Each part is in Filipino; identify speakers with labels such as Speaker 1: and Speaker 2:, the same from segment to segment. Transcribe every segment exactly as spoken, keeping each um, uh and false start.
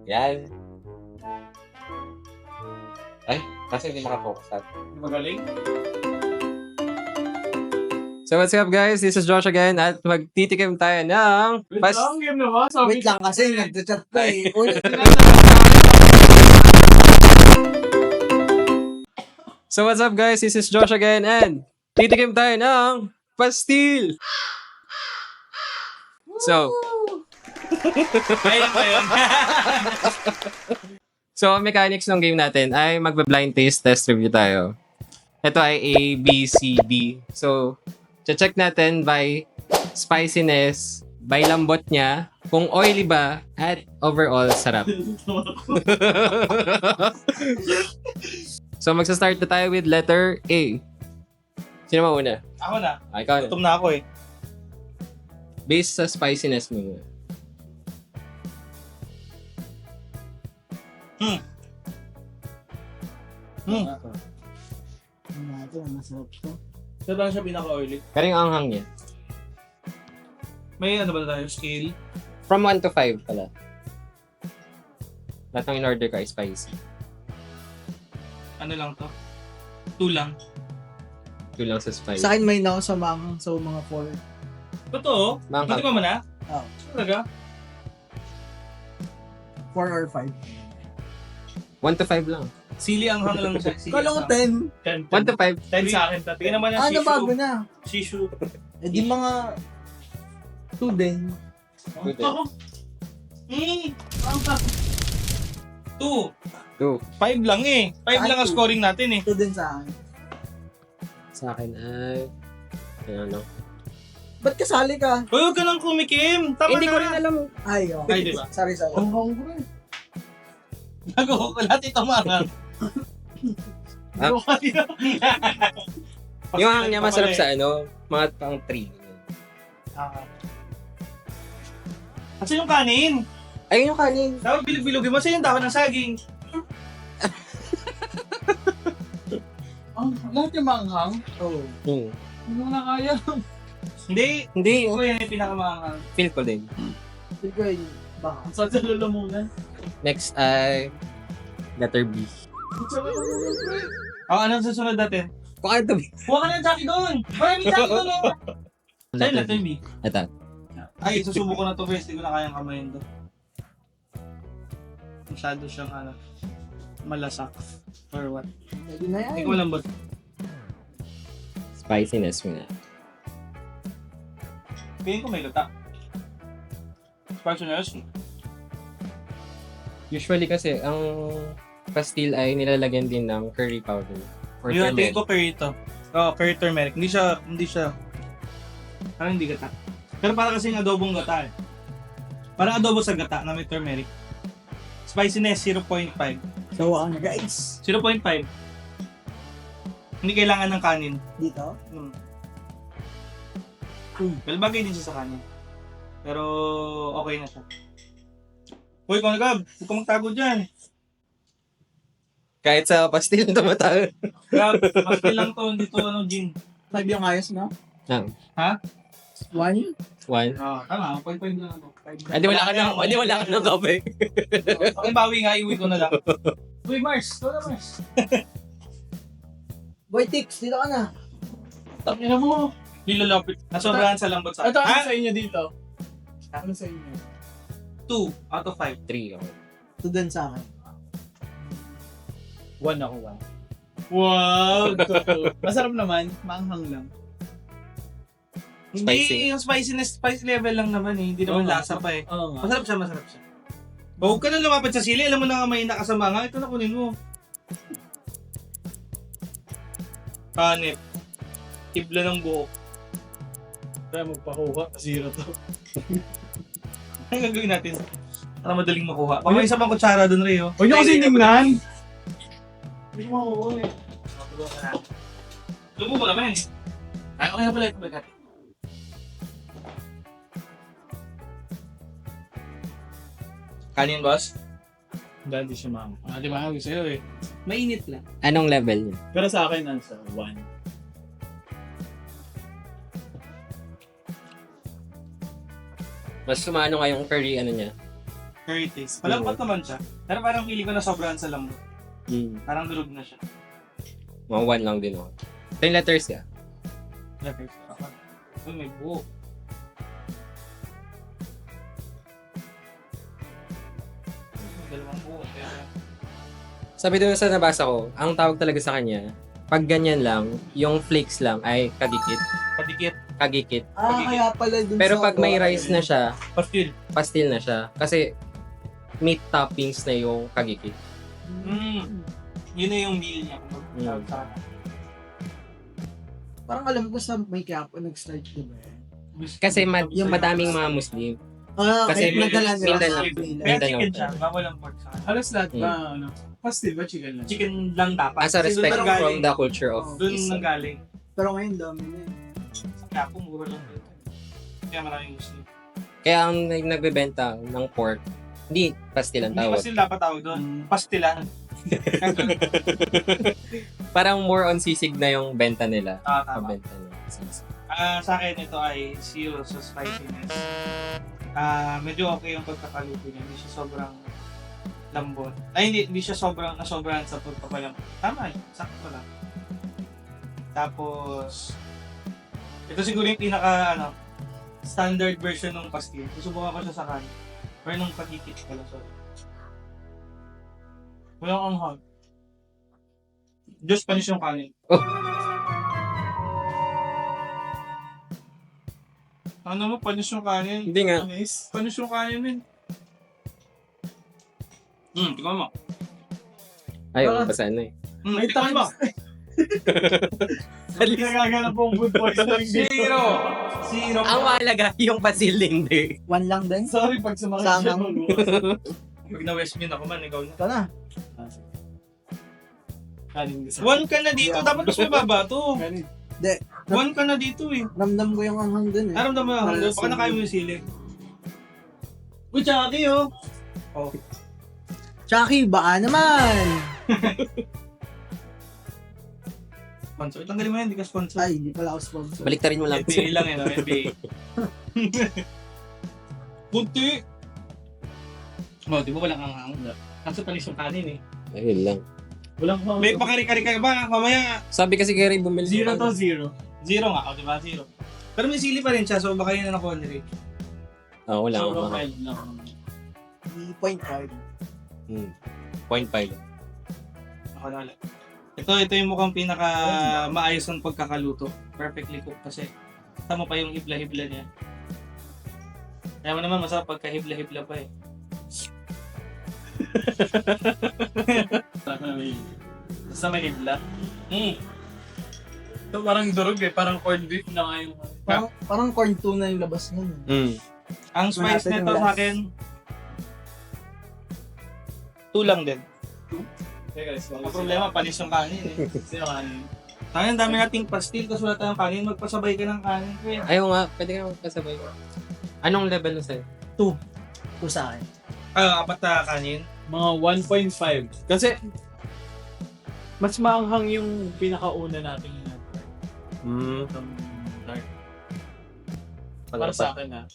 Speaker 1: Yan. Ay, kasi hindi makafocus at.
Speaker 2: Magaling.
Speaker 3: So what's up guys? This is Josh again at magtitikim tayo ng
Speaker 2: Wait
Speaker 3: pas-
Speaker 2: lang, game na ba? Sabi
Speaker 4: Wait lang kasi nagchat pa eh. Ulit.
Speaker 3: So what's up guys? This is Josh again and titikim tayo ng pastil. So,
Speaker 2: Kaya ba yun?
Speaker 3: so ang mechanics ng game natin ay magbe-blind taste test review tayo. Ito ay A, B, C, D. So, check natin by spiciness, by lambot niya, kung oily ba, at overall sarap. So, magsa-start na tayo with letter A. Sino mauna?
Speaker 2: Ako na.
Speaker 3: Ah, ikaw na.
Speaker 2: Gutom na ako eh.
Speaker 3: Based sa spiciness mo.
Speaker 2: Hmm. Hmm.
Speaker 4: Ano natin, masarap to.
Speaker 2: Ito lang siya pinaka-oily.
Speaker 3: Pero yung anghang niya.
Speaker 2: May ano ba tayo? Scale?
Speaker 3: From one to five pala. Lahat ng in-order ka ay spicy.
Speaker 2: Ano lang to? Two lang.
Speaker 3: Two lang sa spicy.
Speaker 4: Sa akin may na sa mga so mga four.
Speaker 2: Totoo?
Speaker 3: Manghang.
Speaker 2: Pati ko mo na?
Speaker 4: Oh.
Speaker 2: Talaga?
Speaker 4: Four or five.
Speaker 3: One to five lang.
Speaker 2: Sili ang hang lang siya. Sili
Speaker 4: Kala ko
Speaker 2: ang hang.
Speaker 4: ten.
Speaker 2: Ten.
Speaker 3: One to five.
Speaker 2: Ten sa akin. Tingnan naman yung
Speaker 4: Ah,
Speaker 2: shishu.
Speaker 4: nabago na.
Speaker 2: Shishu.
Speaker 4: Eh di mga two din.
Speaker 3: Two din.
Speaker 2: Ako. Hmm. Ang pa- Two.
Speaker 3: Two.
Speaker 2: Five lang eh. Five
Speaker 4: Ay,
Speaker 2: lang ang
Speaker 4: two.
Speaker 2: scoring natin eh.
Speaker 4: Two din sa akin.
Speaker 3: Sa akin ay... Ano?
Speaker 4: Ba't kasali ka?
Speaker 2: Uy, huwag ka nang kumikim. Tama
Speaker 3: Hindi
Speaker 2: na.
Speaker 3: ko rin alam.
Speaker 4: Ay, oh.
Speaker 2: Ay, di ba?
Speaker 4: Sorry, sorry.
Speaker 2: Ang hungry. Gago ko lahat ito mangang.
Speaker 3: Ah? Yung hang niya masarap
Speaker 2: eh.
Speaker 3: sa ano, mga pang three.
Speaker 2: Ah. Kasi yung kanin.
Speaker 3: Ayun yung kanin.
Speaker 2: Dapat bilog-bilogin mo. Kasi yung dahon ng saging.
Speaker 4: Ang lahat yung manghang? Oo.
Speaker 3: Hmm.
Speaker 4: Hindi mo na kaya.
Speaker 2: Hindi.
Speaker 3: Hindi,
Speaker 2: Ito yan yung pinakamangang.
Speaker 3: feel ko din.
Speaker 4: Hindi ko yun. Baka.
Speaker 2: Saan sa lulamunan?
Speaker 3: Next ay... Letter B.
Speaker 2: Oh, anong susunod natin?
Speaker 3: Kung ano to B?
Speaker 2: Huwag ka ng Jackie doon! Marami Jackie doon oh! Sa'yo
Speaker 3: Letter
Speaker 2: letter
Speaker 3: B.
Speaker 2: B.
Speaker 3: Ito.
Speaker 2: Ay, susubo ko na to guys. Hindi ko na kayang kamayin to. Masyado siyang ano, malasak. Or what?
Speaker 4: Pwede na yan.
Speaker 2: Hindi ko malambot.
Speaker 3: Spiciness mo na.
Speaker 2: Piling ko may luta. Spiciness.
Speaker 3: Usually kasi, ang pastil ay nilalagyan din ng curry powder. Or
Speaker 2: Yung tingin
Speaker 3: turmeric.
Speaker 2: ko curry to. Oo, oh, curry turmeric. Hindi siya, hindi siya, parang hindi gata. Pero parang kasing adobong gata eh. Parang adobo sa gata na may turmeric. Spiciness, zero point five.
Speaker 4: Sawa ka na guys.
Speaker 2: zero point five. Hindi kailangan ng kanin.
Speaker 4: Dito?
Speaker 2: Hmm. Well, bagay din siya sa kanin. Pero okay na siya. Uy, kung nagab, huwag ka magtago dyan.
Speaker 3: Kahit sa pastil na tumatawa.
Speaker 2: Gab, mas lang to, hindi to ano, gin.
Speaker 4: Five yung ayos na?
Speaker 3: Ah,
Speaker 2: Ha?
Speaker 4: One?
Speaker 3: one.
Speaker 2: Oo, tama, point point lang ako.
Speaker 3: Hindi wala ka ng, hindi wala ka ng kape.
Speaker 2: Okay, bawi nga, iuwi ko na lang. Uy, Mars, ito na Mars.
Speaker 4: Boy Tix, dito ka na.
Speaker 2: Tapos na mo. Nilalapit. Nasobrahan sa lambot sa
Speaker 4: Ito, ano
Speaker 2: Ha?
Speaker 4: sa inyo dito? Ano sa inyo?
Speaker 2: two out of five.
Speaker 3: Three. Okay.
Speaker 4: Two din sa akin.
Speaker 2: One ako, one.
Speaker 4: Wow! Masarap naman. Maanghang lang.
Speaker 3: Spicy.
Speaker 2: Hindi, yung spiciness, spice level lang naman eh. Hindi naman
Speaker 4: Oo nga.
Speaker 2: lasa pa eh.
Speaker 4: Oo nga.
Speaker 2: Masarap siya, masarap siya. Huwag ka na lumapit sa sili. Alam mo na nga may nakasama nga. Ito na kunin mo. Hanip. Tibla ng buhok.
Speaker 4: Kaya magpakuha. Zero to.
Speaker 2: Ano gagawin natin? Para madaling makuha. Baka may isa pang kutsara doon, Ray. Oh.
Speaker 4: Huwag niyo kasi nimnan.
Speaker 2: Hindi mo makuha eh. Lubo mo naman eh. Ay, okay na pala ito. Bagat. Kanin, boss?
Speaker 4: Dahil di siya ma'am. Ah, di ba sabi sa'yo eh.
Speaker 2: Mainit lang.
Speaker 3: Anong level niya?
Speaker 4: Pero sa akin, ano sa one.
Speaker 3: Mas sumano nga yung curry, ano niya?
Speaker 2: Curry taste. Malambot naman siya. Pero parang feeling ko na sobrahan sa lambot.
Speaker 3: Mm.
Speaker 2: Parang durog na siya.
Speaker 3: Mga one lang din ako. Ito yung letters ka.
Speaker 2: Letters. Uy, may buo. Dalawang buo. Kaya...
Speaker 3: Sabi doon sa nabasa ko, ang tawag talaga sa kanya, pag ganyan lang, yung flakes lang ay kagikit.
Speaker 2: Padikit.
Speaker 3: Kagikit.
Speaker 4: Ah, kaya pala dun
Speaker 3: Pero
Speaker 4: sa...
Speaker 3: pag may rice na siya,
Speaker 2: Pastil.
Speaker 3: pastil na siya. Kasi meat toppings na yung kagikit.
Speaker 2: Mm. Yun na yung meal niya. Kung
Speaker 3: Mm.
Speaker 2: tawag sa akin.
Speaker 4: Parang alam ko sa may Quiapo nag-start, di ba?
Speaker 3: Kasi mad- yung madaming mga Muslim.
Speaker 4: Ah,
Speaker 3: Kasi
Speaker 4: kasi nadala nila
Speaker 3: Mindanao.
Speaker 4: sa kanila.
Speaker 2: Kaya
Speaker 3: Mindanao.
Speaker 2: chicken siya. Bawal ang pork sa akin.
Speaker 5: Halos lahat
Speaker 3: Mm.
Speaker 5: ba, ano? Pastil ba? Chicken lang?
Speaker 2: Chicken lang dapat.
Speaker 3: As a
Speaker 2: Kasi
Speaker 3: respect
Speaker 2: doon
Speaker 3: from
Speaker 2: nanggaling.
Speaker 3: the culture of
Speaker 2: Doon
Speaker 3: Islam.
Speaker 2: nanggaling.
Speaker 4: Pero ngayon, dami na eh.
Speaker 2: Sa Quiapo, mura lang dito. Kaya maraming Muslim.
Speaker 3: Kaya ang nag- nagbebenta ng pork, hindi pastil ang
Speaker 2: Hindi
Speaker 3: tawag.
Speaker 2: pastil dapat tawag doon.
Speaker 4: Mm.
Speaker 2: Pastilan.
Speaker 3: Parang more on sisig na yung benta nila.
Speaker 2: Ah, tama.
Speaker 3: Pabenta nila. Sisig.
Speaker 2: Ah, sa akin ito ay zero sa spiciness. Ah, medyo okay yung pagkakaluto niya. Hindi siya sobrang lambot. Ay, hindi, hindi siya sobrang nasobrahan sa pagpapalambot. Tama yun. Sakto lang. Tapos, ito siguro yung pinaka, ano, standard version ng pastil. Susubukan ko siya sa kanin. Or nung pagkikit pala, sorry. Walang anghang. Just panis yung kanin.
Speaker 3: Oh.
Speaker 2: Ano mo, panis yung kanin?
Speaker 3: Hindi nga.
Speaker 5: Nice.
Speaker 2: Panis yung kanin, min. Hmm, tingnan mo.
Speaker 3: Ayaw, basta ano eh.
Speaker 2: Hmm,
Speaker 5: May
Speaker 2: tingnan mo.
Speaker 5: Hindi nagagana pong food poisoning dito.
Speaker 2: Zero! Zero.
Speaker 3: Ang mahalaga, yung basil hindi.
Speaker 4: One lang din.
Speaker 5: Sorry pag sumakit siya.
Speaker 4: Sangang.
Speaker 2: Pag na-west min ako man, ikaw na.
Speaker 4: Ito na.
Speaker 5: Kanin gusto.
Speaker 2: One ka na dito, dapat mas mababa to.
Speaker 5: Kanin.
Speaker 2: One ka na dito eh.
Speaker 4: Ramdam ko yung anghang dun eh.
Speaker 2: Naramdaman mo yung hanggang, baka nakain mo yung sili. Uy, Chucky oh! Oh.
Speaker 4: Chucky, baka naman!
Speaker 2: Sponsor. Tanggalin mo yan, hindi ka sponsor.
Speaker 4: Ay, hindi pala ako sponsor.
Speaker 3: Baliktarin mo lang.
Speaker 2: N B A lang yan, oh, N B A. Bunti! Oh, di ba walang anghang? Kaso panis yung kanin eh.
Speaker 3: Ayun lang.
Speaker 5: Walang hang.
Speaker 2: May pakari-kari ka ba? Mamaya,
Speaker 3: Sabi kasi kay Ray bumili.
Speaker 5: Zero
Speaker 3: ng-
Speaker 5: to zero.
Speaker 2: zero nga. O, di ba? Zero. Pero may sili pa rin siya, so baka yun na nakonri.
Speaker 3: Oo, wala
Speaker 5: So,
Speaker 3: akong
Speaker 5: five lang.
Speaker 4: zero point five.
Speaker 3: Hmm. point five.
Speaker 2: Ako na ulit. Ito, ito yung mukhang pinaka maayos ng pagkakaluto. Perfectly cooked kasi. Tama pa yung hibla-hibla niya. Kaya mo naman masarap pagka hibla-hibla pa eh.
Speaker 5: Basta may hibla.
Speaker 2: Mm.
Speaker 5: So, parang durog eh. Parang corned beef na nga yung...
Speaker 4: Parang, parang corn tuna yung labas nun. eh.
Speaker 3: Hmm.
Speaker 2: Ang spice
Speaker 4: Malapit
Speaker 2: nito
Speaker 4: yung
Speaker 2: sa
Speaker 4: last.
Speaker 2: akin, two lang din.
Speaker 5: Teka, guys.
Speaker 2: Ang problema, panis yung kanin eh.
Speaker 5: Sino kanin?
Speaker 2: Tangin, dami nating pastil, tapos wala tayong kanin, magpasabay ka ng kanin. Kaya,
Speaker 3: Ayaw nga, pwede ka magkasabay. Anong level na sa'yo?
Speaker 4: Ito sa akin.
Speaker 2: ah, apat na kanin.
Speaker 5: Mga one point five. Kasi, mas maanghang yung pinakauna natin yung
Speaker 3: Hmm.
Speaker 5: itong dark. Para sa akin ha.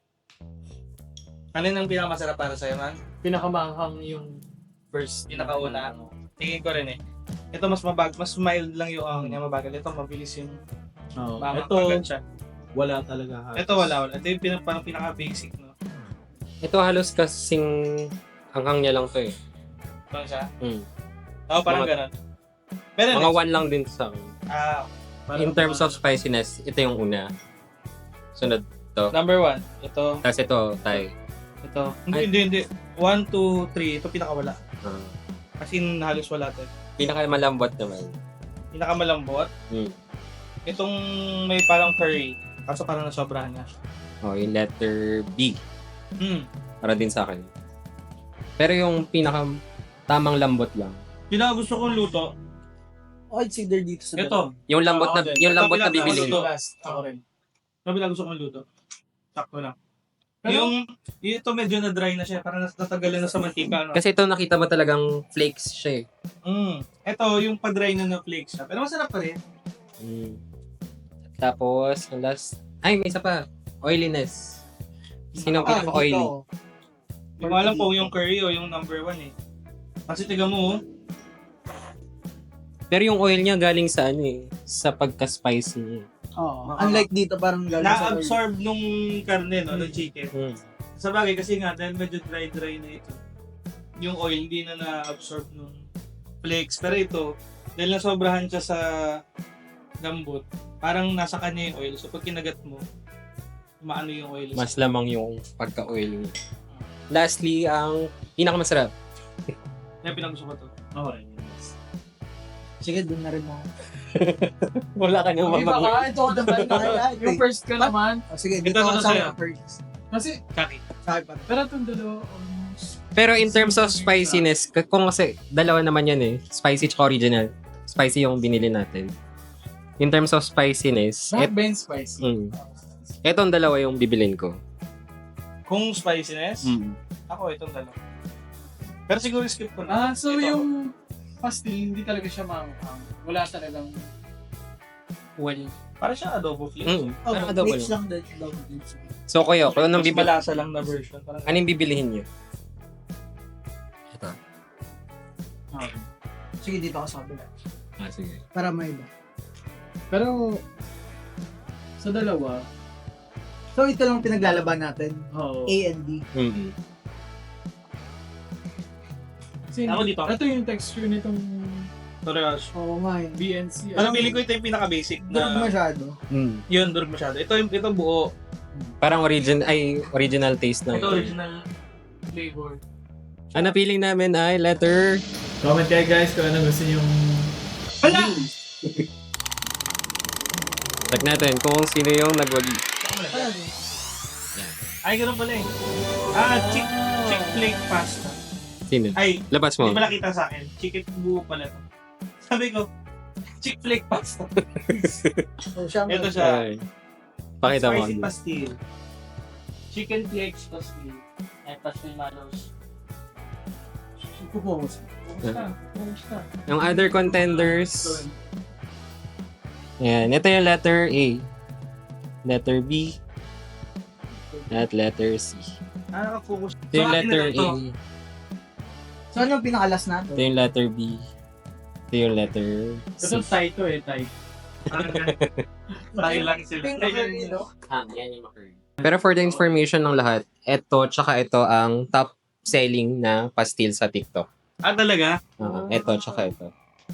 Speaker 2: Kanin ang pinakamasarap para sa'yo, man?
Speaker 5: Pinakamaanghang yung first.
Speaker 2: Pinakauna. Tingin ko rin eh. Ito mas mabag, mas mild lang yung ang niya mabagal. Ito mabilis yung
Speaker 5: Oh,
Speaker 2: mama
Speaker 5: ito,
Speaker 2: agad siya.
Speaker 5: wala talaga ha.
Speaker 2: Ito wala wala. Ito yung pinaka, parang pinaka-basic, no?
Speaker 3: Ito halos kasing hanghang niya lang to eh.
Speaker 2: Ito siya.
Speaker 3: Hmm.
Speaker 2: Oo, parang
Speaker 3: Mga-
Speaker 2: ganun. Pero
Speaker 3: Mga one lang din sa akin.
Speaker 2: ah,
Speaker 3: In terms of spiciness, ito yung una. Sunod,
Speaker 2: number one. Ito,
Speaker 3: tapos ito, Thai.
Speaker 2: ito. Hindi,
Speaker 3: Ay.
Speaker 2: hindi, hindi. One, two, three. Ito pinakawala.
Speaker 3: Uh,
Speaker 2: As in, halos wala to.
Speaker 3: pinakamalambot naman.
Speaker 2: Pinakamalambot.
Speaker 3: Hmm.
Speaker 2: Itong may parang curry. Kaso parang nasobrahan niya.
Speaker 3: Oh, yung letter B.
Speaker 2: Hmm.
Speaker 3: Para din sa akin. Pero yung pinaka tamang lambot lang.
Speaker 2: Pinaka gusto kong luto.
Speaker 4: Okay, consider dito sa
Speaker 2: Ito.
Speaker 3: Yung lambot na
Speaker 5: Ako din.
Speaker 3: yung
Speaker 2: Ito
Speaker 3: lambot na
Speaker 2: pinaka-
Speaker 3: bibili.
Speaker 2: ito.
Speaker 5: Last, ako rin.
Speaker 2: Ano pinaka gusto kong luto? Sakto lang.
Speaker 5: Pero-
Speaker 2: yung, yung ito medyo na dry na siya. Parang nas- natagalan na sa mantika. No?
Speaker 3: Kasi ito nakita mo talagang flakes siya eh.
Speaker 2: Mm. Ito, yung pa-dry na na flakes siya. Pero masarap pa rin.
Speaker 3: Mm. Tapos, ang last, ay may isa pa, oiliness. Sino ang
Speaker 4: Ah,
Speaker 3: pinaka-oily?
Speaker 4: dito.
Speaker 2: Hindi ko alam kung yung curry o yung number one eh. Kasi tiga mo, oh.
Speaker 3: Pero yung oil niya galing sa ano eh, sa pagka-spicy niya.
Speaker 4: Oo. Unlike dito, parang galing sa oil.
Speaker 2: Na-absorb nung karne, no, nung chicken.
Speaker 3: Mm.
Speaker 2: Sa bagay, kasi nga, dahil medyo dry-dry na ito, yung oil hindi na na-absorb nung flakes. Pero ito, dahil nasobrahan siya sa lambot, parang nasa kanya yung oil. So pag kinagat mo, maano yung oil.
Speaker 3: Mas lamang yung pagka-oil niya. Lastly, ang pinakamasarap.
Speaker 2: Kaya pinag-gusto ko to.
Speaker 5: Okay.
Speaker 4: Sige, dun na rin ako.
Speaker 3: Wala ka nang
Speaker 5: Iba
Speaker 3: mamag-
Speaker 5: ka, ito naman. Yung first ka naman.
Speaker 4: Oh, sige,
Speaker 2: Ito
Speaker 4: dito
Speaker 2: na
Speaker 4: ako
Speaker 2: to
Speaker 4: sa
Speaker 2: sa'yo.
Speaker 4: first.
Speaker 5: Kasi,
Speaker 2: Kaki.
Speaker 4: Sabi pa.
Speaker 5: pero itong dalawa, almost.
Speaker 3: Pero in terms of spiciness, k- kung kasi dalawa naman yan eh, spicy tsaka original. Spicy yung binili natin. In terms of spiciness, et,
Speaker 5: Not Ben spicy.
Speaker 3: mm, etong dalawa yung bibilin ko.
Speaker 2: Kung spiciness,
Speaker 3: Mm.
Speaker 2: ako itong dalawa. Pero siguro skip ko na.
Speaker 5: Ah, so
Speaker 2: Ito.
Speaker 5: yung pastil, hindi talaga siya manghang. Wala talagang...
Speaker 3: Well,
Speaker 2: Para siya adobo flakes.
Speaker 3: mm,
Speaker 4: Oh,
Speaker 3: parang adobo
Speaker 4: mix
Speaker 3: lang.
Speaker 4: lang din. Double mix.
Speaker 3: So kayo, kung anong
Speaker 2: Mas
Speaker 3: bibil-
Speaker 2: malasa lang na version. Parang
Speaker 3: anong bibilihin nyo? Ito.
Speaker 2: Okay.
Speaker 4: Sige, dito ako sa kabila.
Speaker 3: Ah, sige.
Speaker 4: Para may iba.
Speaker 5: Pero, sa dalawa,
Speaker 4: So, ito lang pinaglalaban natin.
Speaker 5: oo.
Speaker 4: A and B.
Speaker 3: Mm.
Speaker 5: Kasi,
Speaker 2: Ako dito.
Speaker 5: ito yung texture nitong
Speaker 2: Torreos.
Speaker 4: Oo nga eh.
Speaker 5: B N C.
Speaker 2: Ano, pili ko ito yung pinaka-basic
Speaker 4: Durog
Speaker 2: na...
Speaker 4: masyado.
Speaker 3: Mm.
Speaker 2: Yun, durog masyado. Ito yung ito buo.
Speaker 3: Parang origin ay original taste na.
Speaker 2: Ito original flavor.
Speaker 3: Ang napiling namin ay letter.
Speaker 5: Comment kayo guys kung ano gusto yung...
Speaker 2: Hala!
Speaker 3: Check natin kung sino yung nagwagi.
Speaker 2: Ay, ganun pala eh. Ah, chick, chick flake pasta.
Speaker 3: Sino?
Speaker 2: Ay,
Speaker 3: Labas mo.
Speaker 2: hindi pala kita sa akin. Chicken buo pala to. Sabi ko, chick flake pasta.
Speaker 4: So, siya
Speaker 2: Ito siya.
Speaker 3: Ay. Pakita mo.
Speaker 2: Spicy pastil. Chicken flakes pastil. Ay, pastil malos.
Speaker 5: Kupos. Kumusta? Kumusta?
Speaker 3: Yung other contenders. Ayan. Ito yung letter A. Letter B. At letter C.
Speaker 2: Ah, nakafocus.
Speaker 3: Ito yung
Speaker 2: So, akin
Speaker 3: letter
Speaker 2: na
Speaker 3: A.
Speaker 2: lang to.
Speaker 4: So, ano yung pinakalas natin?
Speaker 3: Ito yung letter B. Ito yung letter C.
Speaker 5: Ito tie to eh, tie.
Speaker 2: Parang ganun. Tayo lang sila.
Speaker 4: Pink curry, no?
Speaker 3: Ah, yan yung McCurry. Pero for the information ng lahat, ito tsaka ito ang top selling na pastil sa TikTok.
Speaker 2: Ah, talaga?
Speaker 3: Uh, ito tsaka ito.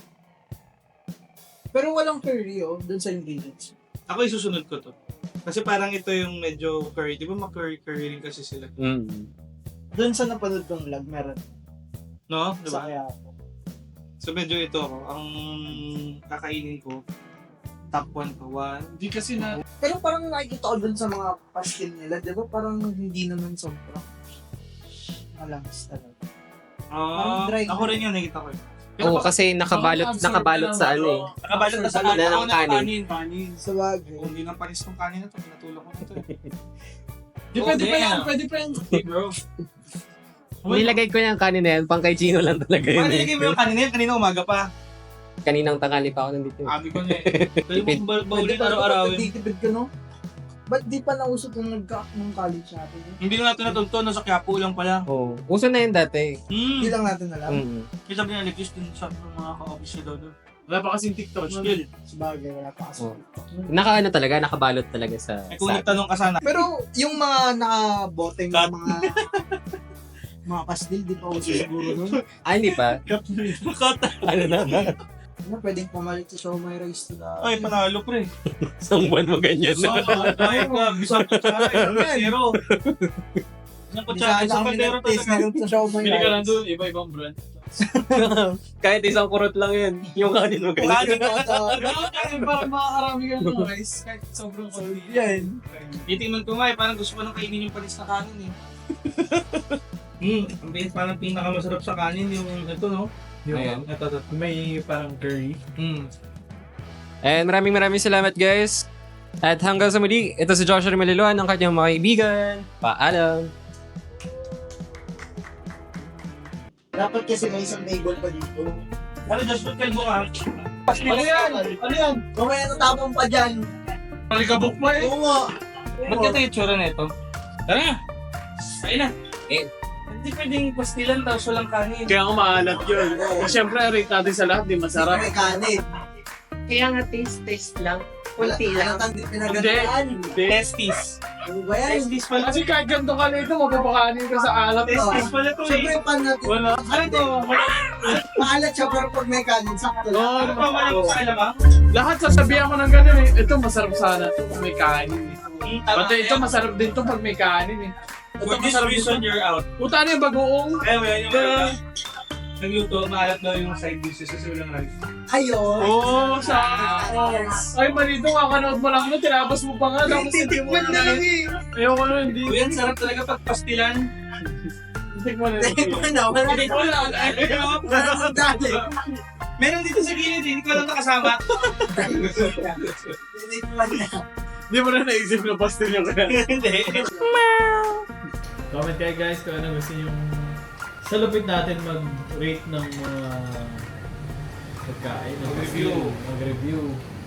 Speaker 4: Pero walang curry, oh, dun sa ingredients.
Speaker 2: Ako isusunod ko to. Kasi parang ito yung medyo curry. Di ba ma-curry-curry rin kasi sila?
Speaker 3: Mm.
Speaker 4: Dun sa napanood kong vlog, meron.
Speaker 2: No? Di
Speaker 4: Sa
Speaker 2: ba?
Speaker 4: kaya ako.
Speaker 2: So medyo ito ako. Ang kakainin ko, top one ko. One.
Speaker 5: Hindi kasi na...
Speaker 4: Pero parang nakikita ko dun sa mga pastil nila, di ba? Parang hindi naman sobrang malangis talaga.
Speaker 2: Ah,
Speaker 4: Parang dry
Speaker 2: ako
Speaker 4: na.
Speaker 2: rin yun, nakita ko. yun.
Speaker 3: Oo, kasi nakabalot, nakabalot sa ano eh.
Speaker 2: Nakabalot na sa
Speaker 3: Na
Speaker 2: kanin.
Speaker 3: ng
Speaker 2: Ako ng
Speaker 3: kanin.
Speaker 2: kanin.
Speaker 5: Kanin.
Speaker 4: Sa bagay.
Speaker 2: Kung hindi lang panis tong kanin na to, pinatulak ko na to.
Speaker 5: Di,
Speaker 2: Oh,
Speaker 5: pwede pa
Speaker 2: damn.
Speaker 5: yan, pwede pa yan.
Speaker 2: Bro.
Speaker 3: Nilagay ko yung kanin na yan, pang kay Gino lang talaga yun
Speaker 2: Paano nilagay mo
Speaker 3: eh.
Speaker 2: yung kanin na yun? Kanina umaga pa.
Speaker 3: Kaninang tangali pa ako nandito. eh.
Speaker 2: Abi ko na eh. Pwede
Speaker 3: Tipid.
Speaker 2: mo ba-
Speaker 4: Pwede
Speaker 2: baulin
Speaker 4: pa
Speaker 2: araw-arawin.
Speaker 4: nagtitipid ka, no? Ba't di pa nausap yung nagka ng college natin? eh?
Speaker 2: Hindi lang natin natunto, nasa Quiapo lang pala.
Speaker 3: Oo. Uso na yun dati.
Speaker 2: Hmm.
Speaker 4: Hindi lang natin alam.
Speaker 3: Mm.
Speaker 2: Kasi sabi niya, Alexis, dun sa mga ka-office niya daw doon.
Speaker 5: Wala pa kasing TikTok.
Speaker 2: Skill.
Speaker 4: Sa bagay, wala pa kasi.
Speaker 3: Oh. Naka ano talaga, nakabalot talaga sa...
Speaker 2: Eh kung
Speaker 3: sa
Speaker 2: nagtanong ka sana,
Speaker 4: Pero yung mga nakaboteng
Speaker 2: Cut.
Speaker 4: mga mga pastil, di pa uso siguro nun.
Speaker 3: Ah, hindi pa?
Speaker 2: Kata.
Speaker 3: Ano na ba?
Speaker 4: Ano, pwedeng pumalit sa show my rice to the...
Speaker 2: Ay, panalo pre.
Speaker 3: Isang buwan mo ganyan
Speaker 2: So, ay, ka, bisang kutsara. Zero. Isang
Speaker 4: Hindi
Speaker 2: kutsara,
Speaker 4: sana
Speaker 2: isang
Speaker 4: kami
Speaker 2: kaldero
Speaker 4: nag-taste
Speaker 2: talaga.
Speaker 4: ngayon sa show my
Speaker 5: Pili ka lang
Speaker 4: rice.
Speaker 5: doon, iba-ibang brand.
Speaker 3: Kahit isang kurot lang yun. Yung kanin mo ganyan.
Speaker 2: Kanin ka.
Speaker 5: Kasi parang makakarami ka ng rice kahit sobrang solid.
Speaker 4: Yan.
Speaker 2: Titingnan ko nga eh, parang gusto ko nang kainin yung panis na kanin eh. Hmm, ang pin- parang pinakamasarap sa kanin yung ito no?
Speaker 3: Ayan.
Speaker 2: Ito, ito.
Speaker 5: May parang curry.
Speaker 2: Hmm.
Speaker 3: And maraming maraming salamat guys. At hanggang sa muli, ito si Joshua Maliluan, ang kanyang mga kaibigan. Paalam.
Speaker 4: Dapat kasi may isang table pa dito.
Speaker 2: Ano, Josh, ba't kalbo ka?
Speaker 4: Ano yan? Ano yan? Mamaya natapang pa dyan.
Speaker 2: Palikabok mo eh.
Speaker 4: Oo nga.
Speaker 2: Ba't ito yung tsura na ito? Tara! Kain na! Hindi pwedeng pastilan tapos walang kanin.
Speaker 5: Kaya nga maalat yun. Siyempre, rate natin sa lahat, di masarap.
Speaker 4: May kanin.
Speaker 6: Kaya nga taste-taste lang.
Speaker 4: Wala,
Speaker 6: Kunti lang.
Speaker 4: halatang di pinagandaan.
Speaker 5: Hindi.
Speaker 2: Testis.
Speaker 4: Ano ba yan?
Speaker 2: Testis pala.
Speaker 5: Kasi kahit ganito ka nito, mapapakanin ka sa alat.
Speaker 2: Testis pala to
Speaker 4: Siyempre,
Speaker 2: eh.
Speaker 4: pan natin.
Speaker 5: Wala.
Speaker 2: Ano to?
Speaker 4: Maalat siya, pero pag may kanin, sakto lang.
Speaker 5: Oo,
Speaker 2: Ano pa walang sa alamang?
Speaker 5: lahat sasabihan ko ng gano'n eh. Ito masarap sana to pag may kanin eh. Pati ito masarap din to pag may kanin eh.
Speaker 2: For this reason, you're out.
Speaker 5: Puta na yung bagoong.
Speaker 2: Eh, well, yung uh, nagluto, maalat daw yung side dishes kasi walang rice.
Speaker 4: Ayun.
Speaker 5: Oo, oh, sa... Oh. Ay, malito, kakanood mo lang no, tinapos mo pa nga. Tapos hindi mo
Speaker 4: Titikman na lang eh.
Speaker 5: Ayoko na, hindi.
Speaker 2: Uy, ang sarap talaga pag pastilan.
Speaker 5: Tikman na.
Speaker 4: Titikman na, wala
Speaker 2: Hindi ko alam.
Speaker 4: wala nang dali.
Speaker 2: Meron dito sa gilid, eh, hindi ko alam nakasama.
Speaker 4: Titikman na.
Speaker 5: Hindi mo na naisip na pastil yung kaya.
Speaker 2: Hindi.
Speaker 7: Comment kayo guys kung ano gusto yung sa lupit natin mag-rate ng mga pagkain.
Speaker 2: Mag-review.
Speaker 7: Mag-review.